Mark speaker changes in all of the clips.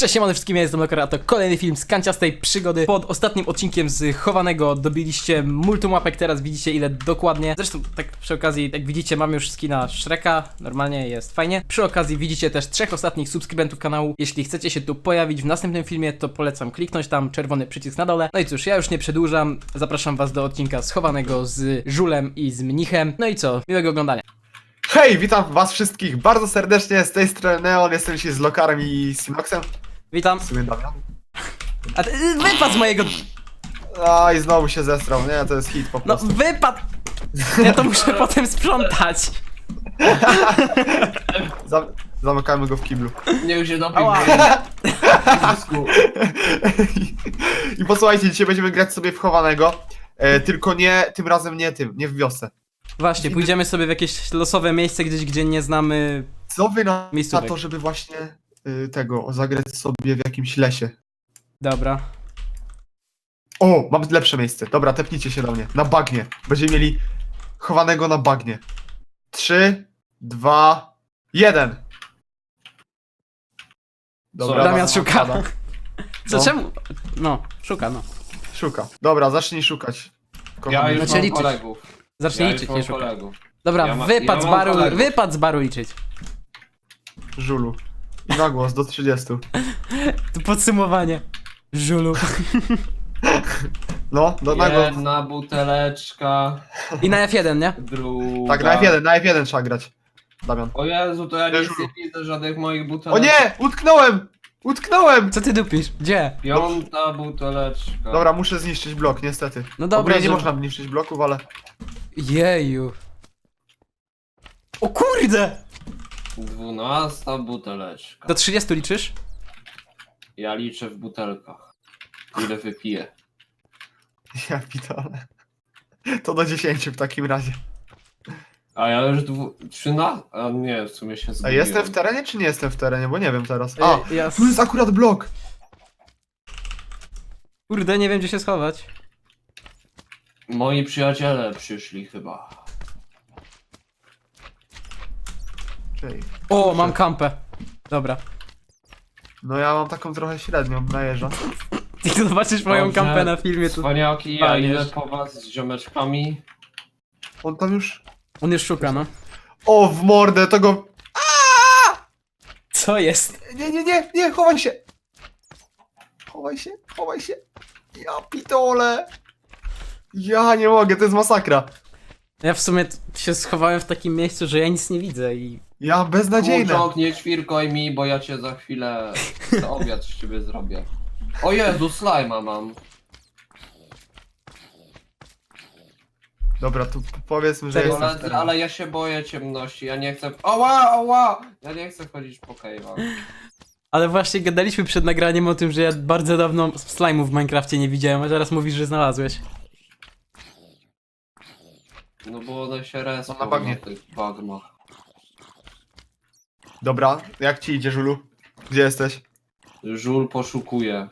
Speaker 1: Cześć, siemano wszystkim, ja jestem Lokara, a to kolejny film z kanciastej przygody. Pod ostatnim odcinkiem z Chowanego dobiliście multum łapek, teraz widzicie ile dokładnie. Zresztą tak przy okazji, jak widzicie, mamy już skina Shreka, normalnie jest fajnie. Przy okazji widzicie też 3 ostatnich subskrybentów kanału. Jeśli chcecie się tu pojawić w następnym filmie, to polecam kliknąć tam czerwony przycisk na dole. No i cóż, ja już nie przedłużam, zapraszam was do odcinka z Chowanego z Żulem i z Mnichem. No i co, miłego oglądania.
Speaker 2: Hej, witam was wszystkich bardzo serdecznie, z tej strony Neon, jestem dzisiaj z Lokarem i Sinoxem.
Speaker 1: Witam.
Speaker 2: W sumie Damian.
Speaker 1: A ty, wypad z mojego...
Speaker 2: A i znowu się zestrał, nie? To jest hit po
Speaker 1: No
Speaker 2: prostu.
Speaker 1: wypad! Ja to muszę potem sprzątać.
Speaker 2: Zamykamy go w kiblu.
Speaker 3: Niech się dopił.
Speaker 1: Ała.
Speaker 2: I posłuchajcie, dzisiaj będziemy grać sobie w chowanego. Tylko nie, tym razem nie w wiosce.
Speaker 1: Właśnie, pójdziemy sobie w jakieś losowe miejsce gdzieś, gdzie nie znamy...
Speaker 2: Co wy na
Speaker 1: Miejscówek.
Speaker 2: to, żeby właśnie zagrać sobie w jakimś lesie?
Speaker 1: Dobra.
Speaker 2: O, mam lepsze miejsce. Dobra, tepnijcie się do mnie. Na bagnie. Będziemy mieli chowanego na bagnie. 3, 2, 1.
Speaker 3: Dobra,
Speaker 1: Damian szuka.
Speaker 2: pada.
Speaker 1: Co,
Speaker 2: No.
Speaker 1: czemu? No, szuka, no.
Speaker 2: Szuka. Dobra, zacznij szukać.
Speaker 3: Ja
Speaker 2: Kochany.
Speaker 3: już
Speaker 1: Znaczy
Speaker 3: mam
Speaker 1: liczyć.
Speaker 3: kolegów.
Speaker 1: Zacznij
Speaker 3: Ja
Speaker 1: liczyć,
Speaker 3: już
Speaker 1: nie
Speaker 3: mam
Speaker 1: szuka.
Speaker 3: kolegów.
Speaker 1: Dobra,
Speaker 3: Ja ma-
Speaker 1: wypad
Speaker 3: ja
Speaker 1: z
Speaker 3: mam
Speaker 1: baru,
Speaker 3: kolegów.
Speaker 1: wypad z baru liczyć.
Speaker 2: Żulu. I na głos do 30.
Speaker 1: Tu podsumowanie. Żulu.
Speaker 2: No, na głos.
Speaker 3: Jedna buteleczka,
Speaker 1: I na F1, nie?
Speaker 3: druga.
Speaker 2: Tak, na F1 trzeba grać. Damian.
Speaker 3: O Jezu, to ja
Speaker 2: Nie,
Speaker 3: nic
Speaker 2: żulu.
Speaker 3: nie widzę żadnych moich
Speaker 2: O
Speaker 3: butelek.
Speaker 2: nie! Utknąłem! Utknąłem!
Speaker 1: Co ty dupisz? Gdzie?
Speaker 3: Piąta buteleczka.
Speaker 2: Dobra, muszę zniszczyć blok, niestety.
Speaker 1: No dobra,
Speaker 2: Ogólnie nie
Speaker 1: że-
Speaker 2: można zniszczyć bloków, ale...
Speaker 1: Jeju. O kurde!
Speaker 3: 12 buteleczka.
Speaker 1: Do 30 liczysz?
Speaker 3: Ja liczę w butelkach. Ile wypiję.
Speaker 2: Ja pitole. To do 10 w takim razie.
Speaker 3: A ja już 13? A nie, w sumie się
Speaker 2: A
Speaker 3: zgubiłem.
Speaker 2: jestem w terenie, czy nie jestem w terenie? Bo nie wiem teraz. A,
Speaker 1: Ja...
Speaker 2: tu jest akurat blok!
Speaker 1: Kurde, nie wiem gdzie się schować.
Speaker 3: Moi przyjaciele przyszli chyba.
Speaker 2: Czyli...
Speaker 1: O, mam kampę. Dobra.
Speaker 2: No ja mam taką trochę średnią, najeżdża.
Speaker 1: Ty zobaczysz moją
Speaker 3: Dobrze.
Speaker 1: kampę na filmie, to...
Speaker 3: Cwaniaki, a
Speaker 1: Palisz.
Speaker 3: ile po was z ziomeczkami?
Speaker 2: On tam już...
Speaker 1: On już szuka, no.
Speaker 2: O, w mordę, to go...
Speaker 1: Co jest?
Speaker 2: Nie, chowaj się! Chowaj się! Ja pitole! Ja nie mogę, to jest masakra.
Speaker 1: Ja w sumie się schowałem w takim miejscu, że ja nic nie widzę i...
Speaker 2: Ja beznadziejne.
Speaker 3: Kurczok, nie ćwirkoj mi, bo ja cię za chwilę na obiad z ciebie zrobię. O Jezu, slajma mam.
Speaker 2: Dobra, tu powiedzmy, że
Speaker 1: Czekaj,
Speaker 2: jestem w
Speaker 3: Koledzy,
Speaker 2: terenie.
Speaker 3: ale ja się boję ciemności, ja nie chcę... Ała! Ja nie chcę chodzić po cave'ach.
Speaker 1: Ale właśnie gadaliśmy przed nagraniem o tym, że ja bardzo dawno slime'ów w Minecrafcie nie widziałem, a teraz mówisz, że znalazłeś.
Speaker 3: No bo one się respią
Speaker 2: na bagnie.
Speaker 3: na tych bagmach.
Speaker 2: Dobra, jak ci idzie, Żulu? Gdzie jesteś?
Speaker 3: Żul poszukuje.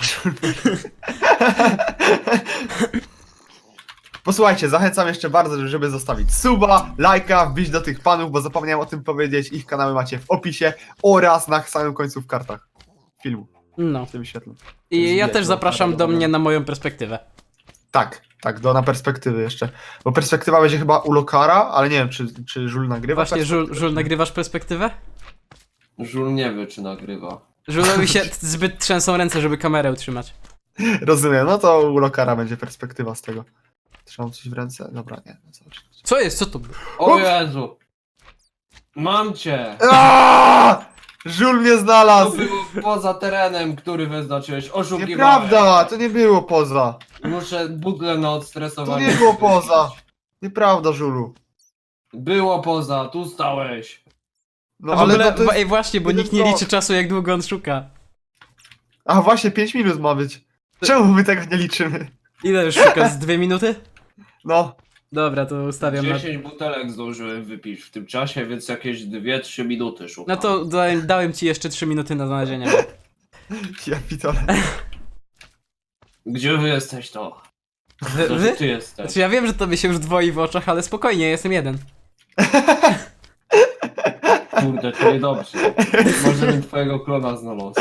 Speaker 2: Posłuchajcie, zachęcam jeszcze bardzo, żeby zostawić suba, lajka, wbić do tych panów, bo zapomniałem o tym powiedzieć. Ich kanały macie w opisie oraz na samym końcu w kartach filmu.
Speaker 1: No.
Speaker 2: W tym świetle.
Speaker 1: I ja
Speaker 3: Zbierz,
Speaker 1: też
Speaker 3: no,
Speaker 1: zapraszam do
Speaker 3: dobra.
Speaker 1: mnie na moją perspektywę.
Speaker 2: Tak, na perspektywy jeszcze. Bo perspektywa będzie chyba u Lokara, ale nie wiem, czy Żul nagrywa.
Speaker 1: Właśnie, Żul,
Speaker 2: perspektywę, czy nie.
Speaker 1: nagrywasz perspektywę?
Speaker 3: Żul nie wie, czy nagrywa.
Speaker 1: Żulowi się zbyt trzęsą ręce, żeby kamerę utrzymać.
Speaker 2: Rozumiem, no to u Lokara będzie perspektywa z tego. Trzymam coś w ręce? Dobra, nie. No zobacz.
Speaker 1: Co jest? Co to było?
Speaker 3: O
Speaker 2: Ups.
Speaker 3: Jezu! Mam cię!
Speaker 2: Aaaa! Żul mnie
Speaker 3: To
Speaker 2: znalazł!
Speaker 3: było poza terenem, który wyznaczyłeś. Oszukiwałeś.
Speaker 2: Nieprawda, to nie było poza.
Speaker 3: Muszę butlę na
Speaker 2: To
Speaker 3: odstresowanie.
Speaker 2: nie było poza. Nieprawda, Żulu.
Speaker 3: Było poza, tu stałeś.
Speaker 2: No
Speaker 1: A w
Speaker 2: ale
Speaker 1: ogóle,
Speaker 2: no to jest...
Speaker 1: ej właśnie, bo
Speaker 2: jeden
Speaker 1: nikt nie
Speaker 2: blok.
Speaker 1: liczy czasu, jak długo on szuka.
Speaker 2: A właśnie, 5 minut ma być. Czemu my tego nie liczymy?
Speaker 1: Ile już szuka? Z 2 minuty?
Speaker 2: No,
Speaker 1: Dobra, to ustawiam na...
Speaker 3: 10 butelek zdążyłem wypić w tym czasie, więc jakieś 2-3 minuty szukam.
Speaker 1: No to dałem ci jeszcze 3 minuty na znalezienie.
Speaker 2: ja pitole.
Speaker 3: Gdzie wy jesteś to?
Speaker 1: Wy?
Speaker 3: To, że ty jesteś.
Speaker 1: Znaczy ja wiem, że tobie się już dwoi w oczach, ale spokojnie, jestem jeden.
Speaker 3: kurde, to niedobrze. Może bym twojego klona znalazł.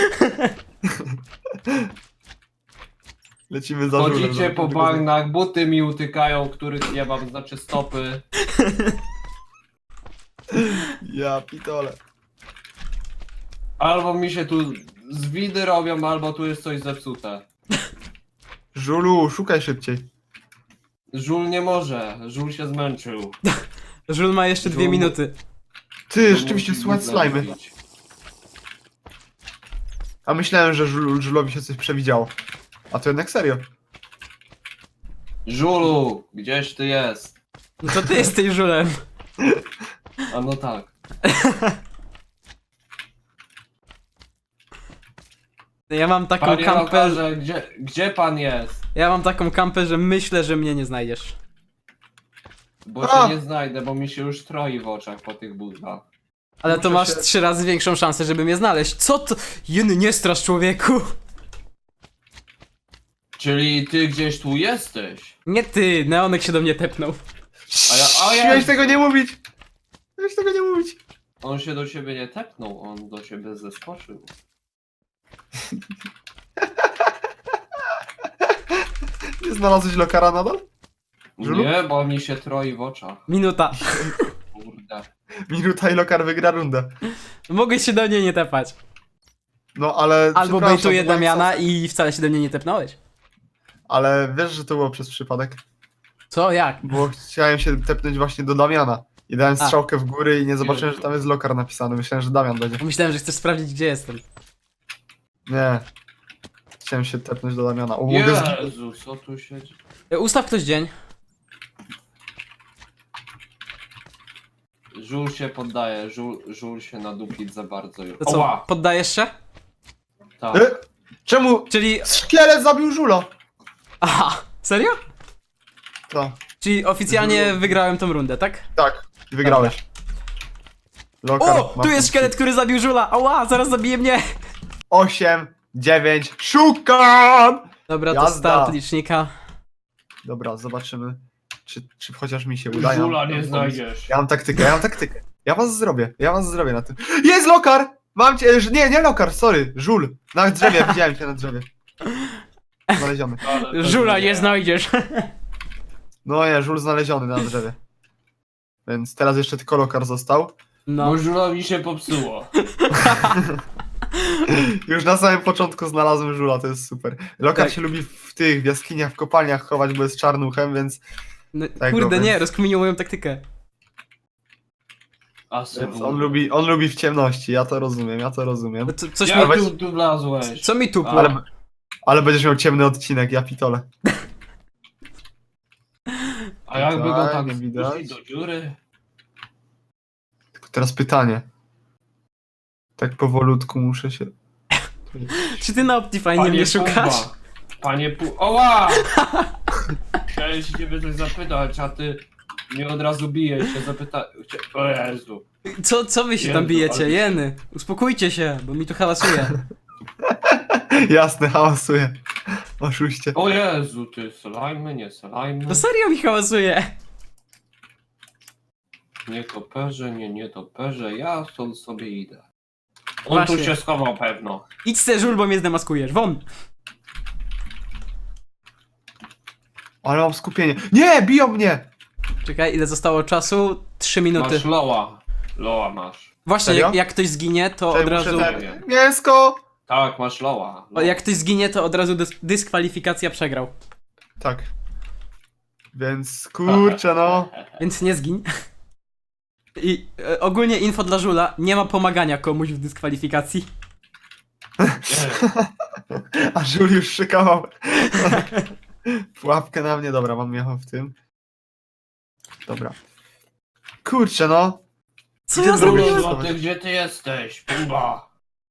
Speaker 2: Lecimy za żulem.
Speaker 3: Chodzicie po bagnach, buty mi utykają, których nie mam, znaczy stopy.
Speaker 2: Ja pitole.
Speaker 3: Albo mi się tu zwidy robią, albo tu jest coś zepsute.
Speaker 2: Żulu, szukaj szybciej.
Speaker 3: Żul nie może, żul się zmęczył.
Speaker 1: Żul ma jeszcze 2
Speaker 3: Żul-
Speaker 1: minuty.
Speaker 2: Ty, rzeczywiście słychać slajmy. A myślałem, że Żulowi się coś przewidziało. A to jednak serio.
Speaker 3: Żulu, gdzieś ty jest?
Speaker 1: No to ty jesteś żulem.
Speaker 3: A no tak.
Speaker 1: Ja mam taką
Speaker 3: Panie
Speaker 1: kampę.
Speaker 3: lokarze, gdzie pan jest?
Speaker 1: Ja mam taką kampę, że myślę, że mnie nie znajdziesz.
Speaker 3: Bo
Speaker 2: A!
Speaker 3: cię nie znajdę, bo mi się już troi w oczach po tych butach.
Speaker 1: Ale to
Speaker 2: Muszę
Speaker 1: masz
Speaker 2: się-
Speaker 1: 3 razy większą szansę, żeby mnie znaleźć. Co to? Jeny, nie strasz, człowieku.
Speaker 3: Czyli ty gdzieś tu jesteś?
Speaker 1: Nie ty, Neonek się do mnie tepnął.
Speaker 3: A ja-
Speaker 2: Miałeś tego nie mówić! Miałeś tego nie mówić!
Speaker 3: On się do ciebie nie tepnął, on do ciebie zeskoczył.
Speaker 2: Nie znalazłeś lokara nadal? Żulu?
Speaker 3: Nie, bo mi się troi w oczach.
Speaker 1: Minuta.
Speaker 3: Kurde.
Speaker 2: Minuta i lokar wygra rundę.
Speaker 1: Mogłeś się do mnie nie tepać.
Speaker 2: No ale...
Speaker 1: Albo
Speaker 2: przepraszam,
Speaker 1: bejtuję
Speaker 2: byłem
Speaker 1: Damiana
Speaker 2: sas-
Speaker 1: i wcale się do mnie nie tepnąłeś.
Speaker 2: Ale wiesz, że to było przez przypadek?
Speaker 1: Co? Jak?
Speaker 2: Bo chciałem się tepnąć właśnie do Damiana. I dałem
Speaker 1: A.
Speaker 2: strzałkę w górę i nie zobaczyłem, że tam jest lokar napisany. Myślałem, że Damian będzie.
Speaker 1: Myślałem, że chcesz sprawdzić, gdzie jestem.
Speaker 2: Nie. Chciałem się tepnąć do Damiana. O, mogę z...
Speaker 3: Jezu, co tu się dzieje?
Speaker 1: Ustaw ktoś dzień.
Speaker 3: Żul się poddaje, żul się nadupić za bardzo już.
Speaker 1: To co,
Speaker 3: Oła!
Speaker 1: poddajesz się?
Speaker 3: Tak.
Speaker 2: Czemu
Speaker 1: Czyli...
Speaker 2: szkielet zabił żula?
Speaker 1: Aha, serio?
Speaker 2: To.
Speaker 1: Czyli oficjalnie wygrałem tą rundę, tak?
Speaker 2: Tak, wygrałeś. Lokar
Speaker 1: O!
Speaker 2: ma
Speaker 1: Tu jest
Speaker 2: punkty.
Speaker 1: szkielet, który zabił żula! Ała, zaraz zabije mnie!
Speaker 2: 8, 9, szukam!
Speaker 1: Dobra, to
Speaker 2: Jazda.
Speaker 1: start licznika.
Speaker 2: Dobra, zobaczymy, czy chociaż mi się uda.
Speaker 3: Żula nie znajdziesz.
Speaker 2: Ja mam taktykę. Ja was zrobię na tym. Jest lokar! Mam cię, nie lokar, sorry, żul. Na drzewie, widziałem cię na drzewie. Znaleziony.
Speaker 3: Ale to
Speaker 1: Żula nie znajdziesz.
Speaker 2: No nie, żul znaleziony na drzewie. Więc teraz jeszcze tylko lokar został.
Speaker 1: No.
Speaker 3: Bo żulowi się popsuło.
Speaker 2: Już na samym początku znalazłem żula, to jest super. Lokar
Speaker 1: Tak.
Speaker 2: się lubi w tych jaskiniach, w kopalniach chować, bo jest czarnuchem, więc
Speaker 1: No,
Speaker 2: Tego,
Speaker 1: kurde, nie,
Speaker 2: więc-
Speaker 1: rozkminił moją taktykę.
Speaker 3: Więc
Speaker 2: on lubi w ciemności, ja to rozumiem.
Speaker 1: No coś
Speaker 3: Ja
Speaker 1: mi...
Speaker 2: weź-
Speaker 3: tu wlazłeś.
Speaker 1: Co mi tupło?
Speaker 3: Ale-
Speaker 2: Ale będziesz miał ciemny odcinek, ja pitole.
Speaker 3: A jakby go
Speaker 2: Tak,
Speaker 3: tak
Speaker 2: nie widać.
Speaker 3: wpuścić do dziury?
Speaker 2: Tylko teraz pytanie. Tak powolutku muszę się...
Speaker 1: Czy ty na Optifine mnie szukasz?
Speaker 3: Pumba. Panie Oła! Chciałem się ciebie coś zapytać, a ty mnie od razu bijesz się zapyta... O Jezu.
Speaker 1: Co wy się tam
Speaker 3: Jezu,
Speaker 1: bijecie?
Speaker 3: ale-
Speaker 1: Jeny, uspokójcie się, bo mi tu hałasuje.
Speaker 2: Jasne, hałasuję. Oszuście.
Speaker 3: O Jezu, ty slajmy, nie slajmy.
Speaker 1: No serio mi hałasuje.
Speaker 3: Nie toperze, nie toperze, ja stąd sobie idę. On
Speaker 1: Właśnie.
Speaker 3: tu się schował pewno.
Speaker 1: Idź se żul, bo mnie zdemaskujesz. Won!
Speaker 2: Ale mam skupienie. Nie, biją mnie!
Speaker 1: Czekaj, ile zostało czasu? 3 minuty.
Speaker 3: Masz loa. Loa masz.
Speaker 1: Właśnie,
Speaker 2: Serio?
Speaker 1: jak ktoś zginie, to
Speaker 2: Czekaj,
Speaker 1: od
Speaker 2: muszę
Speaker 1: razu...
Speaker 2: ten- Mięsko!
Speaker 3: Tak, masz loa.
Speaker 1: O, jak ktoś zginie, to od razu dyskwalifikacja przegrał.
Speaker 2: Tak. Więc kurczę no.
Speaker 1: Więc nie zgiń. I ogólnie info dla żula, nie ma pomagania komuś w dyskwalifikacji.
Speaker 2: A żul już szykował. Pułapkę na mnie, dobra, mam jechał w tym. Dobra. Kurczę no.
Speaker 1: Co
Speaker 2: Gdzie
Speaker 1: ja
Speaker 2: zrobiłeś
Speaker 1: zrobiłem?
Speaker 2: to?
Speaker 3: Złoty, gdzie ty jesteś? Pumba.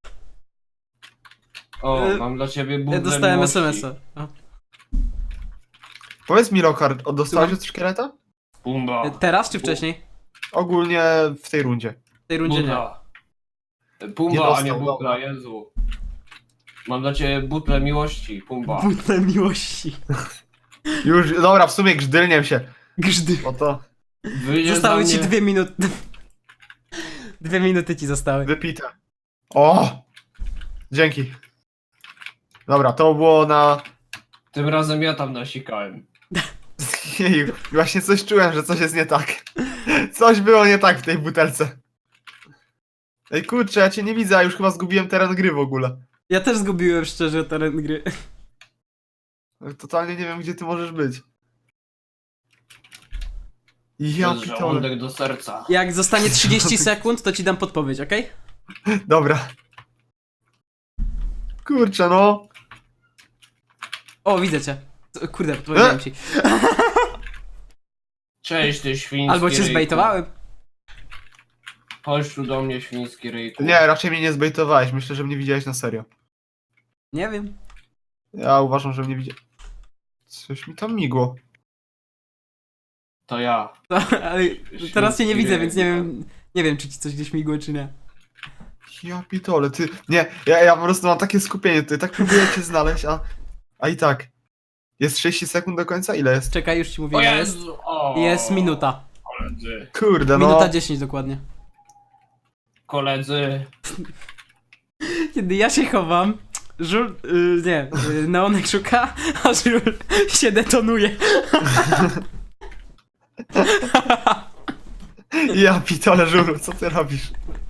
Speaker 3: O,
Speaker 1: E,
Speaker 3: mam dla ciebie
Speaker 1: Ja
Speaker 3: bublę
Speaker 1: dostałem
Speaker 3: miłości.
Speaker 1: SMS-a. O.
Speaker 2: Powiedz mi lokar, dostałeś
Speaker 1: Słucham?
Speaker 2: od szkieleta?
Speaker 3: Pumba.
Speaker 1: Teraz czy wcześniej?
Speaker 2: Ogólnie w tej rundzie.
Speaker 1: W tej rundzie nie.
Speaker 3: Butla.
Speaker 2: Nie
Speaker 3: Pumba, a
Speaker 2: dostał,
Speaker 3: nie butla, Jezu. Mam dla ciebie butlę miłości, Pumba.
Speaker 1: Butle miłości.
Speaker 2: Już, dobra, w sumie grzdylniem się.
Speaker 1: Grzdy.
Speaker 2: Bo to...
Speaker 3: Wyjdziesz
Speaker 1: Zostały
Speaker 3: za
Speaker 1: ci
Speaker 3: mnie.
Speaker 1: 2 minuty. 2 minuty ci zostały.
Speaker 2: Wypite. O! Dzięki. Dobra, to było na...
Speaker 3: Tym razem ja tam nasikałem.
Speaker 2: Jeju, właśnie coś czułem, że coś jest nie tak. Coś było nie tak w tej butelce. Ej kurczę, ja cię nie widzę, a już chyba zgubiłem teren gry w ogóle.
Speaker 1: Ja też zgubiłem szczerze teren gry.
Speaker 2: Totalnie nie wiem, gdzie ty możesz być.
Speaker 3: To
Speaker 2: Ja
Speaker 3: jest
Speaker 2: pitole.
Speaker 3: żołądek do serca.
Speaker 1: Jak zostanie 30 sekund, to ci dam podpowiedź, okej?
Speaker 2: Dobra. Kurczę, no.
Speaker 1: O, widzę cię. Kurde, powiedziałem ci.
Speaker 3: Cześć, ty świński
Speaker 1: Albo cię
Speaker 3: ryjku.
Speaker 1: zbejtowałem.
Speaker 3: Chodź tu do mnie, świński ryjku.
Speaker 2: Nie, raczej mnie nie zbejtowałeś. Myślę, że mnie widziałeś na serio.
Speaker 1: Nie wiem.
Speaker 2: Ja uważam, że mnie widziałeś. Coś mi tam migło.
Speaker 3: To ja.
Speaker 1: Ale teraz cię nie widzę, więc nie wiem, czy ci coś gdzieś migło, czy nie.
Speaker 2: Ja pitole, ty... Nie, ja po prostu mam takie skupienie tutaj, tak próbuję cię znaleźć, a i tak. Jest 30 sekund do końca? Ile jest?
Speaker 1: Czekaj, już ci mówię,
Speaker 3: O
Speaker 1: ile jest.
Speaker 3: Jezu! O,
Speaker 1: Jest minuta.
Speaker 3: Koledzy.
Speaker 2: Kurde, no.
Speaker 1: Minuta 10 dokładnie.
Speaker 3: Koledzy.
Speaker 1: Kiedy ja się chowam, Żul... Neonek szuka, a Żul się detonuje.
Speaker 2: Ja pitole, żuru, co ty robisz?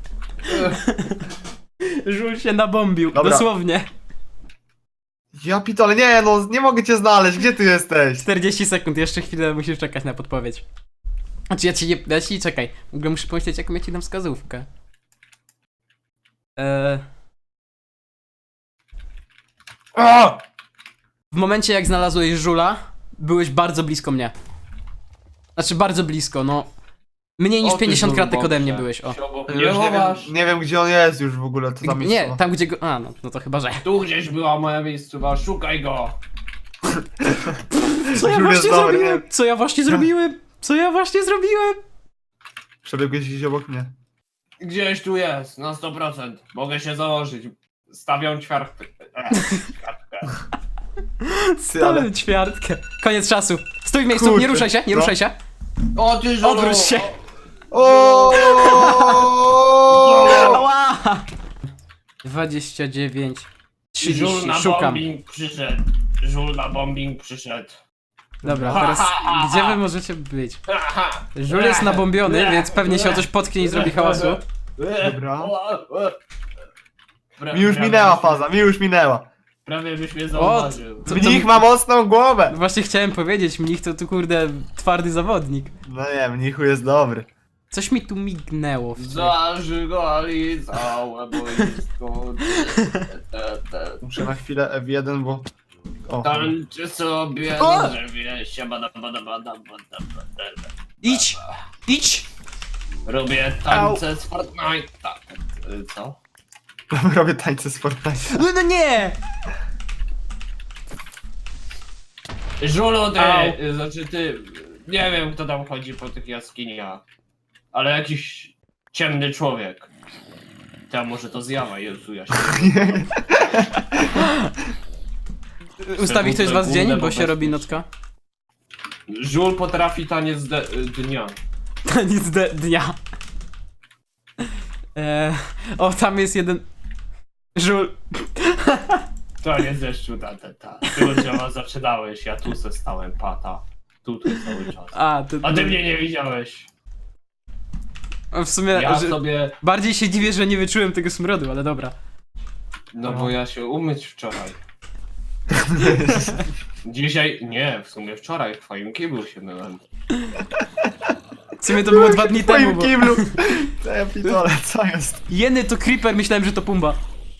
Speaker 1: Żul się nabombił,
Speaker 2: Dobra.
Speaker 1: dosłownie.
Speaker 2: Ja pitole, nie no, nie mogę cię znaleźć, gdzie ty jesteś?
Speaker 1: 40 sekund, jeszcze chwilę musisz czekać na podpowiedź. Znaczy ja ci czekaj, w ogóle muszę pomyśleć, jaką ja ci dam wskazówkę.
Speaker 2: O!
Speaker 1: W momencie jak znalazłeś Żula, byłeś bardzo blisko mnie. Znaczy bardzo blisko, no. Mniej niż
Speaker 3: O, ty
Speaker 1: 50 kratek
Speaker 3: żulboksie.
Speaker 1: ode mnie byłeś, o.
Speaker 3: Się obok
Speaker 2: Już
Speaker 3: mnie chowasz.
Speaker 2: nie wiem, gdzie on jest już w ogóle, to tam jest.
Speaker 1: Nie, tam gdzie go... A, no to chyba, że...
Speaker 3: Tu gdzieś była moja miejscowa, szukaj go!
Speaker 1: Co ja
Speaker 2: Żul jest
Speaker 1: właśnie
Speaker 2: dobry,
Speaker 1: zrobiłem?
Speaker 2: nie?
Speaker 1: Co ja właśnie zrobiłem? Co ja właśnie zrobiłem?
Speaker 2: Przebiegłeś gdzieś obok mnie.
Speaker 3: Gdzieś tu jest, na 100%. Mogę się założyć. Stawiam ćwiartkę.
Speaker 2: Ty, ale...
Speaker 1: Stałem ćwiartkę. Koniec czasu. Stój w miejscu, nie
Speaker 2: Kurczę.
Speaker 1: ruszaj się, nie
Speaker 2: No.
Speaker 1: ruszaj się.
Speaker 3: O ty żolu!
Speaker 1: Obróć się.
Speaker 2: O!
Speaker 1: Ała! 29,
Speaker 3: Żul
Speaker 1: 30,
Speaker 3: na
Speaker 1: szukam.
Speaker 3: bombing przyszedł. Żul na bombing przyszedł.
Speaker 1: Dobra, teraz gdzie wy możecie być? Żul jest nabombiony, więc pewnie się o coś potknie i zrobi hałasu.
Speaker 2: Dobra. Mi już minęła faza, mi już minęła.
Speaker 3: Prawie byś mnie zauważył.
Speaker 1: Co-
Speaker 2: Mnich ma mocną głowę.
Speaker 1: Właśnie chciałem powiedzieć, mnich to tu kurde twardy zawodnik.
Speaker 2: No nie, mnichu jest dobry.
Speaker 1: Coś mi tu mignęło.
Speaker 3: Zażygali całe boisko.
Speaker 2: Muszę na chwilę F1, bo... O,
Speaker 3: Tańczy sobie
Speaker 1: O!
Speaker 3: na drzewie, siabada bada bada bada bada.
Speaker 1: Idź! Idź!
Speaker 3: Robię tańce z Fortnite'a. Co?
Speaker 2: robię tańce z Fortnite.
Speaker 1: No nie!
Speaker 3: Żulu ty,
Speaker 1: Au.
Speaker 3: znaczy ty, nie wiem kto tam chodzi po tych jaskiniach, ale jakiś ciemny człowiek. Tam może to zjawa, Jezu, ja się...
Speaker 1: Ustawi ktoś z was dzień, bo się robi
Speaker 3: bezpieczny.
Speaker 1: nocka.
Speaker 3: Żul potrafi taniec dnia.
Speaker 1: Nic dnia. O, tam jest jeden... Żul.
Speaker 3: Taniec deszczu, ta. Ty od dzieła zaczynałeś, ja tu se stałem, pata. Tutaj cały czas.
Speaker 1: A
Speaker 3: A ty mnie nie widziałeś.
Speaker 1: W sumie,
Speaker 3: Ja
Speaker 1: że
Speaker 3: sobie...
Speaker 1: bardziej się dziwię, że nie wyczułem tego smrodu, ale dobra.
Speaker 3: No bo ja się umyć wczoraj. Dzisiaj... Nie, w sumie wczoraj w twoim kiblu się myłem.
Speaker 1: W sumie to było 2 dni
Speaker 2: W twoim
Speaker 1: temu, bo...
Speaker 2: kiblu. Co ja pitole, co jest?
Speaker 1: Jeny to creeper, myślałem, że to Pumba.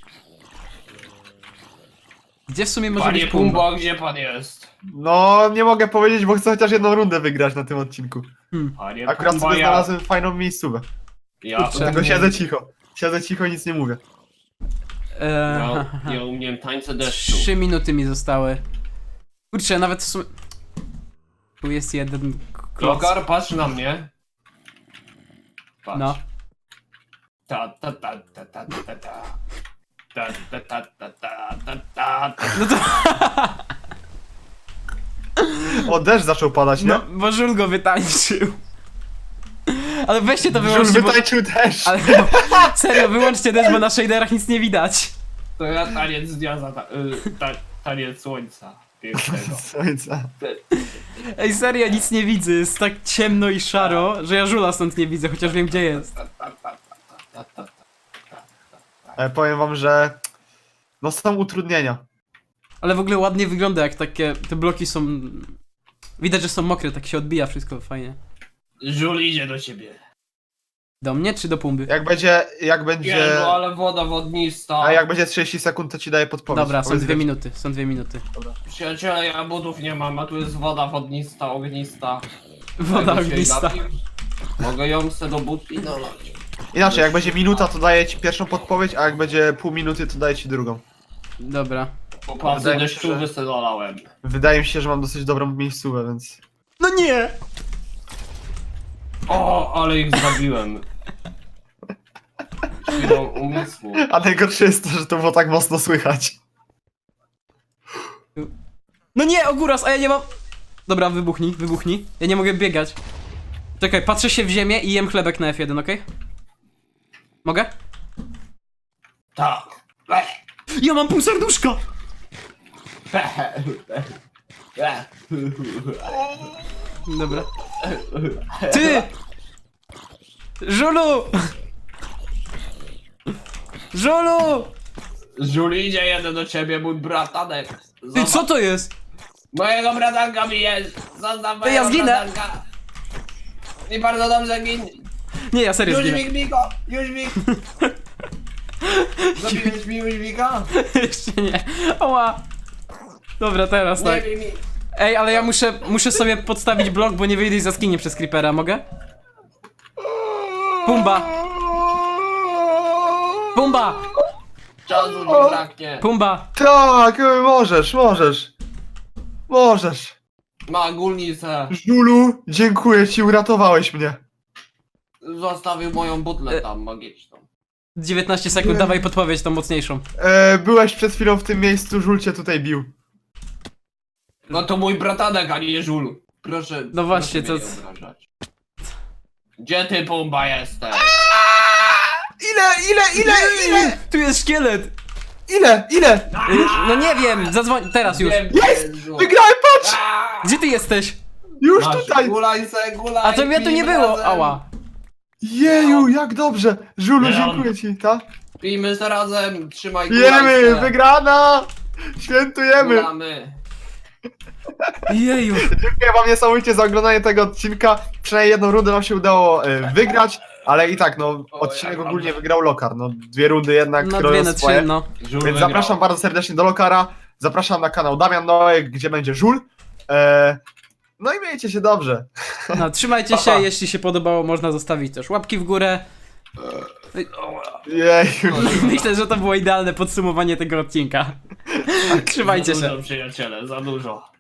Speaker 1: Gdzie w sumie może
Speaker 3: Panie
Speaker 1: być Pumba?
Speaker 3: Pumbo, gdzie pan jest?
Speaker 2: No, nie mogę powiedzieć, bo chcę chociaż jedną rundę wygrać na tym odcinku.
Speaker 3: Panie
Speaker 2: Akurat
Speaker 3: Pumbo,
Speaker 2: sobie
Speaker 3: ja...
Speaker 2: znalazłem fajną miejscówę.
Speaker 3: Ja,
Speaker 1: Kurczę.
Speaker 2: Dlatego siedzę cicho. Siedzę cicho, nic nie mówię.
Speaker 3: ja umiem tańce deszczu.
Speaker 1: 3 minuty mi zostały. Kurczę, nawet w sumie... Tu jest jeden kloc.
Speaker 3: Lokar, patrz na mnie. Patrz.
Speaker 1: No.
Speaker 3: Ta. Ta.
Speaker 1: No to...
Speaker 2: O, deszcz zaczął padać, nie?
Speaker 1: No, bo Żul go wytańczył. Ale weźcie to
Speaker 2: Żul
Speaker 1: wyłączcie, bo...
Speaker 2: wytańczył też.
Speaker 1: Ale serio, wyłączcie też, bo na shaderach nic nie widać.
Speaker 3: To ja taniec dnia taniec słońca. Pięknego.
Speaker 2: Słońca.
Speaker 1: Ej, serio, nic nie widzę, jest tak ciemno i szaro, że ja Żula stąd nie widzę, chociaż wiem gdzie jest.
Speaker 2: Powiem wam, że no są utrudnienia.
Speaker 1: Ale w ogóle ładnie wygląda, jak takie, te bloki są... Widać, że są mokre, tak się odbija wszystko fajnie.
Speaker 3: Żul idzie do ciebie.
Speaker 1: Do mnie czy do Pumby?
Speaker 2: Jak będzie,
Speaker 3: Jezu, ale woda wodnista.
Speaker 2: a jak będzie 30 sekund, to ci daję podpowiedź.
Speaker 1: Dobra, są
Speaker 2: Powiedz
Speaker 1: 2
Speaker 2: mi.
Speaker 1: minuty, są 2 minuty.
Speaker 3: Przyjaciele, ja butów nie mam, a tu jest woda wodnista, ognista.
Speaker 1: Woda
Speaker 3: Mogę się
Speaker 1: ognista.
Speaker 3: napić? Mogę ją se do butli nalać.
Speaker 2: Inaczej, jak będzie minuta, to daję ci pierwszą podpowiedź, a jak będzie pół minuty, to daję ci drugą.
Speaker 1: Dobra.
Speaker 3: Po pasy
Speaker 2: Wydaje mi się,
Speaker 3: deszczowy se dolałem.
Speaker 2: Wydaje mi się, że mam dosyć dobrą miejscówę, więc...
Speaker 1: No nie!
Speaker 3: O, ale ich zabiłem. Chwilą umysłu.
Speaker 2: A najgorsze jest to, że to było tak mocno słychać.
Speaker 1: No nie, Ogóras, a ja nie mam... Dobra, wybuchnij. Ja nie mogę biegać. Czekaj, patrzę się w ziemię i jem chlebek na F1, okej? Mogę?
Speaker 3: Tak.
Speaker 1: Ja mam pół serduszka! Dobra. Ty! Żulu! Żulu!
Speaker 3: Żul idzie jeden do ciebie, mój bratanek.
Speaker 1: Ty, co to jest?
Speaker 3: Mojego bratanka bijesz! Zostaw mojego
Speaker 1: ja zginę.
Speaker 3: bratanka! I bardzo dobrze gin!
Speaker 1: Nie, ja serio zginę.
Speaker 3: Jóźwik, Miko! Jóźwik! Zabiłeś mi Jóźwika?
Speaker 1: Jeszcze nie. Oła! Dobra, teraz
Speaker 3: Nie
Speaker 1: tak.
Speaker 3: bij mi!
Speaker 1: Ej, ale ja muszę sobie podstawić blok, bo nie wyjdę z jaskini przez creepera, mogę? Pumba! Pumba!
Speaker 3: Czasu mi braknie!
Speaker 1: Pumba!
Speaker 2: Tak, możesz.
Speaker 3: Ma gulnicę!
Speaker 2: Żulu, dziękuję ci, uratowałeś mnie.
Speaker 3: Zostawił moją butlę tam magiczną.
Speaker 1: 19 sekund, dawaj podpowiedź tą mocniejszą.
Speaker 2: Byłeś przed chwilą w tym miejscu, Żul cię tutaj bił.
Speaker 3: No to mój bratanek, a nie Żul. Proszę.
Speaker 1: No właśnie,
Speaker 3: proszę
Speaker 1: to-
Speaker 3: mnie nie obrażać. Gdzie ty, Pumba, jesteś?
Speaker 2: Ile?
Speaker 1: Tu jest szkielet!
Speaker 2: Ile?
Speaker 1: No nie wiem, zadzwoń, teraz już.
Speaker 3: Wiem, gdzie
Speaker 2: Jest!
Speaker 3: Żul.
Speaker 2: Wygrałem, patrz!
Speaker 3: Aaa!
Speaker 1: Gdzie ty jesteś?
Speaker 2: Już
Speaker 3: Masz,
Speaker 2: tutaj!
Speaker 3: Gulaj se, gulaj!
Speaker 1: A to mnie tu nie
Speaker 3: pijmy
Speaker 1: było,
Speaker 3: razem.
Speaker 1: ała.
Speaker 2: Jeju, jak dobrze! Żulu,
Speaker 3: Leon.
Speaker 2: dziękuję ci, tak?
Speaker 3: Pijmy se razem, trzymaj
Speaker 2: Jemy,
Speaker 3: gulaj se.
Speaker 2: wygrana! Świętujemy!
Speaker 3: Gulamy.
Speaker 1: Jeju.
Speaker 2: Dziękuję wam niesamowicie za oglądanie tego odcinka. Przynajmniej jedną rundę nam się udało wygrać, ale i tak, no, odcinek
Speaker 3: ja
Speaker 2: ogólnie wygrał Lokar. No, 2 rundy jednak,
Speaker 1: No
Speaker 2: które
Speaker 1: 2 na 3,
Speaker 2: swoje.
Speaker 1: no.
Speaker 3: Żul
Speaker 2: Więc
Speaker 3: wygrał.
Speaker 2: zapraszam bardzo serdecznie do Lokara. Zapraszam na kanał Damian Noek, gdzie będzie Żul. No i miejcie się dobrze.
Speaker 1: No, trzymajcie się, jeśli się podobało, można zostawić też łapki w górę.
Speaker 2: Jeju.
Speaker 1: Myślę, że to było idealne podsumowanie tego odcinka. Trzymajcie
Speaker 3: Za
Speaker 1: się.
Speaker 3: dużo, przyjaciele, za dużo.